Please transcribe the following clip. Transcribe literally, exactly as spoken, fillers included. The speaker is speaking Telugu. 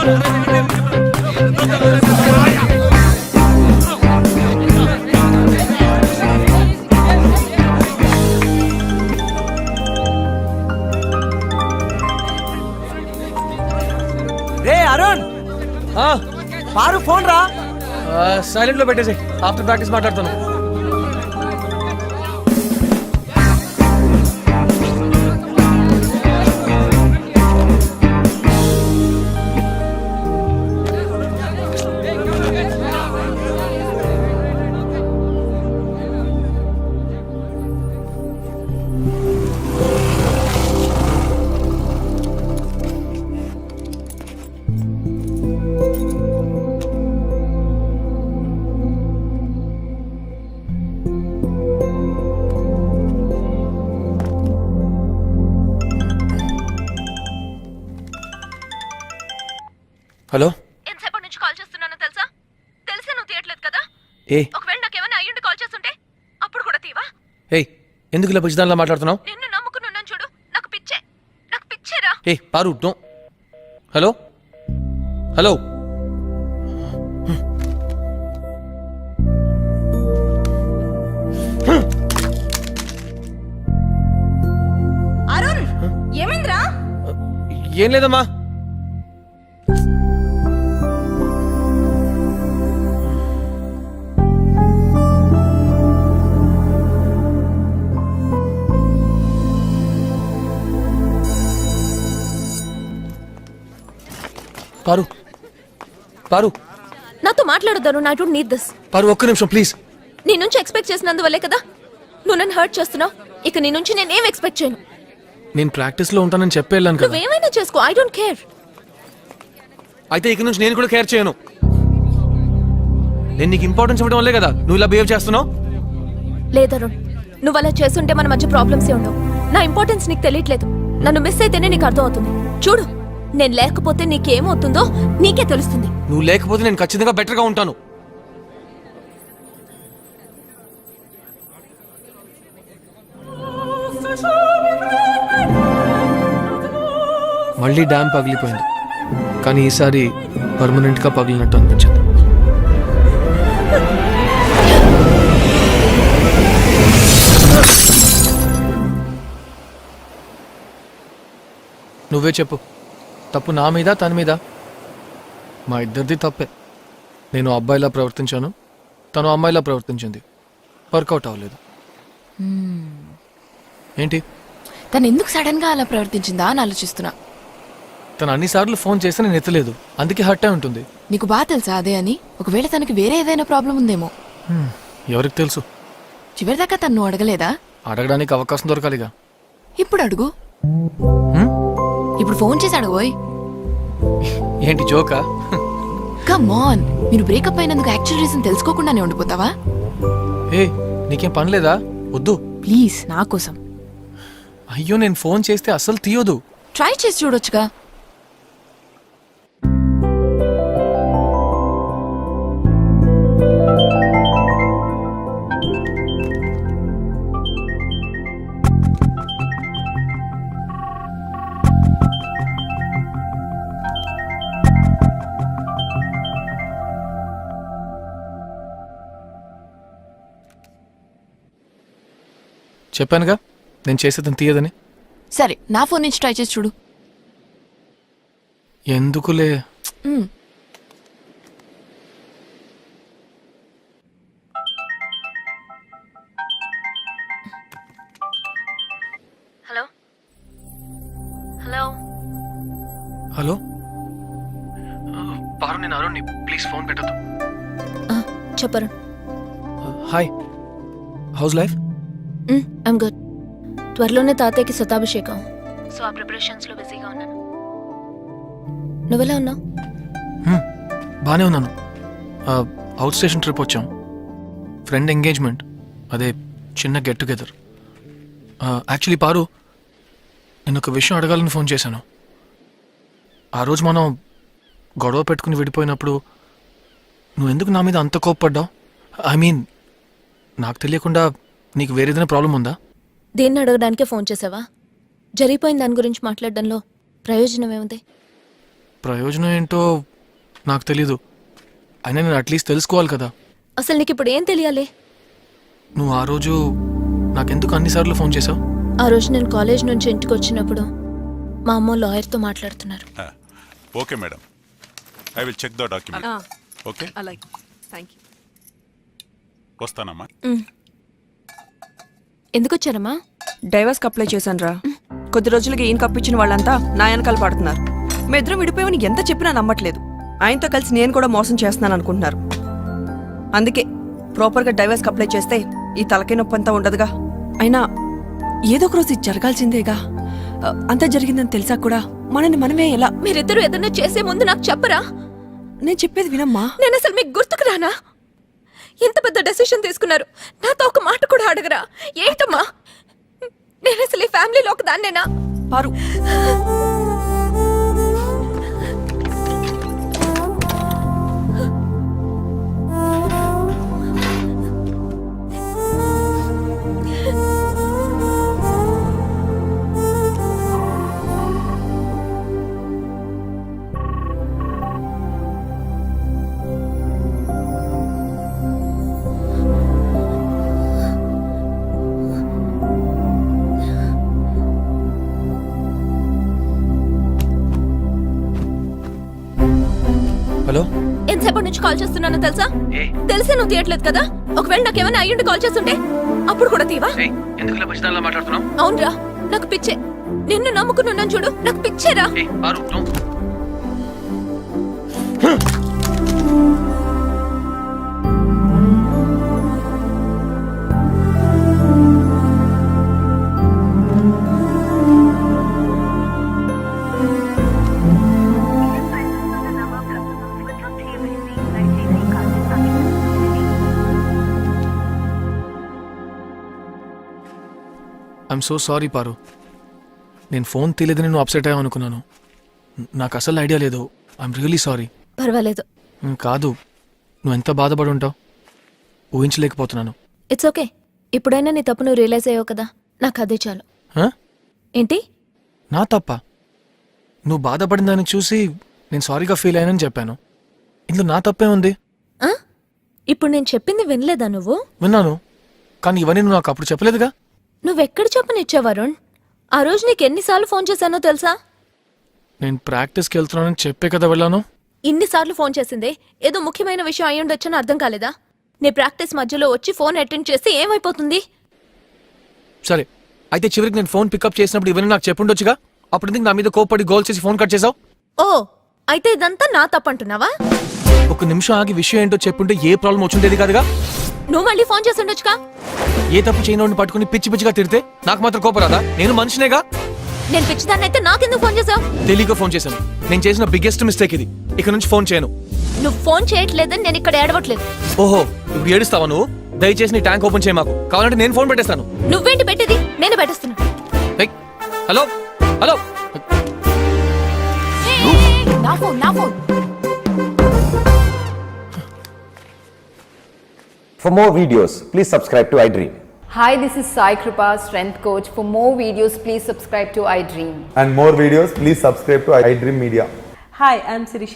రే అరుణ్, పారు ఫోన్ రా. సైలెంట్ లో పెట్టేసి ఆఫ్టర్ ప్రాక్టీస్ మాట్లాడతాను. హలో, ఎంతసేపటి నుంచి కాల్ చేస్తున్నానో తెలుసా? తెలిసే నువ్వు తీయట్లేదు కదా. ఏ ఒకవేళ నాకేమైనా అయ్యుండి కాల్ చేస్తుంటే అప్పుడు కూడా తీవా? ఏ ఎందుకు ఇలా పిచ్చిదానిలా మాట్లాడుతున్నావు? నిన్ను నమ్ముకున్నాను చూడు, నాకు పిచ్చే, నాకు పిచ్చేరా. ఏ Paru, no. Hello hello Arun, ఏమైందిరా? ఏం లేదమ్మా. పారు పారు నాతో మాట్లాడొద్దాను. I don't need this. Paru ఒక్క నిమిషం ప్లీజ్. నీ నుంచి ఎక్స్పెక్ట్ చేసినందువల్లే కదా నువ్వు నన్ను హర్ట్ చేస్తున్నావు. ఇక నీ నుంచి నేనేం ఎక్స్పెక్ట్ చేయను. నేను ప్రాక్టీస్ లో ఉంటానని చెప్పి వెళ్ళాను కదా. నువ్వేమైనా చేసుకో, ఐ డోంట్ కేర్. అయితే ఇక నుంచి నేను కూడా కేర్ చేయను. నేను నీకు ఇంపార్టెన్స్ ఇవ్వడం వల్లే కదా నువ్వు ఇలా బిహేవ్ చేస్తున్నావు. లేదరుణ్, నువ్వు అలా చేస్తుంటే మన మధ్య ప్రాబ్లమ్స్ ఏ ఉండవు. నా ఇంపార్టెన్స్ నీకు తెలియట్లేదు. నన్ను మిస్ అయితేనే నీకు అర్థం అవుతుంది. చూడు, నేను లేకపోతే నీకేమవుతుందో నీకే తెలుస్తుంది. నువ్వు లేకపోతే నేను ఖచ్చితంగా బెటర్ గా ఉంటాను. మళ్ళీ డ్యామ్ పగిలిపోయింది, కానీ ఈసారి పర్మనెంట్ గా పగిలినట్టు అనిపించింది. నువ్వే చెప్పు, తప్పు నా మీద తన మీద? మా ఇద్దరిది తప్పే. నేను అబ్బాయిలా ప్రవర్తించాను, తను అమ్మాయిలా ప్రవర్తించింది. వర్కౌట్ అవ్వలేదు. ఏంటి? తను ఎందుకు సడన్ గా అలా ప్రవర్తించిందా అని ఆలోచిస్తున్నా. తను అన్నిసార్లు ఫోన్ చేస్తే నేను ఎత్తలేదు, అందుకే హర్ట్ అయి ఉంటుంది. నీకు బాగా తెలుసా అదే అని? ఒకవేళ తనకి వేరే ఏదైనా ప్రాబ్లం ఉందేమో. ఎవరికి తెలుసు? చివరిదాకా తను అడగలేదా? అడగడానికి అవకాశం దొరకాలిగా. ఇప్పుడు అడుగు. ఇప్పుడు ఫోన్ చేసి అడగబోయ్. ఏంటి జోకా? కమ్ ఆన్, మీరు బ్రేకప్ అయినందుకు యాక్చువల్ రీజన్ తెలుసుకోకుండానే ఉండిపోతావా? ఏ నీకేం పని లేదా? వద్దు ప్లీజ్, నా కోసం. అయ్యో, నేను ఫోన్ చేస్తే అస్సలు తీయొద్దు. ట్రై చేసి చూడొచ్చుగా. చెప్పానుగా నేను చేసేదని తీయదని. సరే, నా ఫోన్ నుంచి ట్రై చేసి చూడు. ఎందుకులే. హలో హలో హలో పారు, నేను అరుణ్ని, ప్లీజ్ ఫోన్ పెట్టద్దు. చెప్పరు. Hi, how's life? I'm good. త్వరలోనే తాతయ్యకి శతాభిషేకం, సో ఆ ప్రిపరేషన్స్ లో బిజీగా ఉన్నాను. నువ్వెలా ఉన్నావు? బానే ఉన్నాను. అవుట్ స్టేషన్ ట్రిప్ వచ్చాం, ఫ్రెండ్ ఎంగేజ్మెంట్, అదే చిన్న గెట్ టుగెదర్. యాక్చువల్లీ పారు, నేను ఒక విషయం అడగాలని ఫోన్ చేశాను. ఆ రోజు మనం గొడవ పెట్టుకుని విడిపోయినప్పుడు నువ్వు ఎందుకు నా మీద అంత కోప్పడ్డావు? ఐ మీన్, నాకు తెలియకుండా నీకు వేరేదైనా ప్రాబ్లం ఉందా? దేన్ని అడగడానికే ఫోన్ చేసావా? జరిగిపోయిన దాని గురించి మాట్లాడడంలో ప్రయోజనం ఏముంది? ప్రయోజనం ఏంటో నాకు తెలీదు. అయినా నేను అట్లీస్ట్ తెలుసుకోవాలి కదా. అసలు నీకు ఇప్పుడు ఏం తెలియాలి? నువ్వు ఆ రోజు నాకెందుకు అన్నిసార్లు ఫోన్ చేసావు? ఆ రోజు నేను కాలేజ్ నుంచి ఇంటికి వచ్చినప్పుడు మా అమ్మ లాయర్తో మాట్లాడుతున్నారు. Okay madam, I will check the document. Okay, అలాగే, థ్యాంక్ యూ. వస్తానమ్మా. ఎందుకు వచ్చారమ్మా? డైవర్స్కి అప్లై చేశాను రా. కొద్ది రోజులకి ఈయన కప్పించిన వాళ్ళంతా నా వెనకాల పడుతున్నారు. మీ ఇద్దరం విడిపోయామని ఎంత చెప్పినా నమ్మట్లేదు. ఆయనతో కలిసి నేను కూడా మోసం చేస్తున్నాను అనుకుంటున్నారు. అందుకే ప్రాపర్గా డైవర్స్కి అప్లై చేస్తే ఈ తలకాయ నొప్పి అంతా ఉండదుగా. అయినా ఏదో ఒక రోజు ఇది జరగాల్సిందేగా. అంతా జరిగిందని తెలిసా కూడా మనని మనమే ఎలా? మీరిద్దరూ ఏదన్నా చేసే ముందు నాకు చెప్పరా? నేను చెప్పేది వినమ్మా. నేను అసలు మీకు గుర్తుకు రానా? ఎంత పెద్ద డెసిషన్ తీసుకున్నారు, నాతో ఒక మాట కూడా అడగరా? ఏంటమ్మా, నేను అసలు ఈ ఫ్యామిలీలో ఒక దాన్నేనా? పారు, హలో, ఎంతసేపటి నుంచి కాల్ చేస్తున్నానో తెలుసా? తెలిసే నువ్వు తీయట్లేదు కదా. ఒకవేళ నాకేమైనా అయ్యుండి కాల్ చేస్తుంటే అప్పుడు కూడా తీవా? అవునరా, నాకు పిచ్చే. నిన్ను నమ్ముకున్నాను చూడు, నాకు పిచ్చేరా. I'm so sorry Paru. నేను ఫోన్ తీయలేదని నువ్వు అప్సెట్ అయ్యావు అనుకున్నాను. నాకు అసలు ఐడియా లేదు. I'm really sorry. పర్వాలేదు. కాదు, నువ్వు ఎంత బాధపడి ఉంటావు ఊహించలేకపోతున్నాను. It's okay. ఇప్పుడైనా నీ తప్పు నువ్వు రియలైజ్ అయ్యావు కదా, నాకు అదే చాలు. హ? ఏంటి? నా తప్ప? నువ్వు బాధపడిన దాన్ని చూసి నేను సారీగా ఫీల్ అయ్యానని చెప్పాను. ఇందులో నా తప్పే ఉంది? ఆ? ఇప్పుడు నేను చెప్పింది వినలేదా నువ్వు? విన్నాను, కానీ ఇవన్నీ నువ్వు నాకు అప్పుడు చెప్పలేదుగా. నువ్వెక్కడ చెప్పనిచ్చావు వరుణ్? ఆ రోజు నీకు ఎన్నిసార్లు ఫోన్ చేశానో తెలుసా? నేను ప్రాక్టీస్కి వెళ్తున్నానని చెప్పే కదా వెళ్ళాను. ఇన్నిసార్లు ఫోన్ చేసిందే ఏదో ముఖ్యమైన విషయం అయి ఉండొచ్చని అర్థం కాలేదా? నీ ప్రాక్టీస్ మధ్యలో వచ్చి ఫోన్ అటెండ్ చేస్తే ఏమైపోతుంది? సరే, అయితే చివరికి నేను ఫోన్ పికప్ చేసినప్పుడు ఇవన్నీ నాకు చెప్పుండొచ్చుగా. అప్పుడు ఎందుకు నా మీద కోప్పడి గోల్ చేసి ఫోన్ కట్ చేసావు? ఓ, అయితే ఇదంతా నా తప్పంటున్నావా? ఒక నిమిషం ఆగి విషయం ఏంటో చెప్పుంటే ఏ ప్రాబ్లం వచ్చిండేది కాదుగా. నువ్వు మళ్ళీ ఫోన్ చేసి ఉండొచ్చుగా. ఏ తప్పు చేయనోడిని పట్టుకుని పిచ్చి పిచ్చిగా తిడితే నాకు మాత్రం కోపరాదా? నేను మనిషినేగా. నేను పిచ్చిదాన్ని అయితే నాకెందుకు ఫోన్ చేసావు? తెలియక ఫోన్ చేశాను. నేను చేసిన బిగ్గెస్ట్ మిస్టేక్ ఇది. ఇక నుంచి ఫోన్ చేయను. నువ్వు ఫోన్ చేయట్లేదని నేను ఇక్కడ ఏడవట్లేదు. ఓహో, ఇప్పుడు ఏడుస్తావా నువ్వు? దయచేసి నీ ట్యాంక్ ఓపెన్ చేయ మాకు. కావాలంటే నేను ఫోన్ పెట్టేస్తాను. నువ్వేంటి పెట్టేది? నేను పెట్టేస్తున్నా. ఏయ్, హలో హలో. నా ఫోన్ నా phone For more videos, please subscribe to iDream. Hi, this is Sai Kripa, strength coach. For more videos, please subscribe to iDream. And more videos, please subscribe to iDream Media. Hi, I'm Sirisha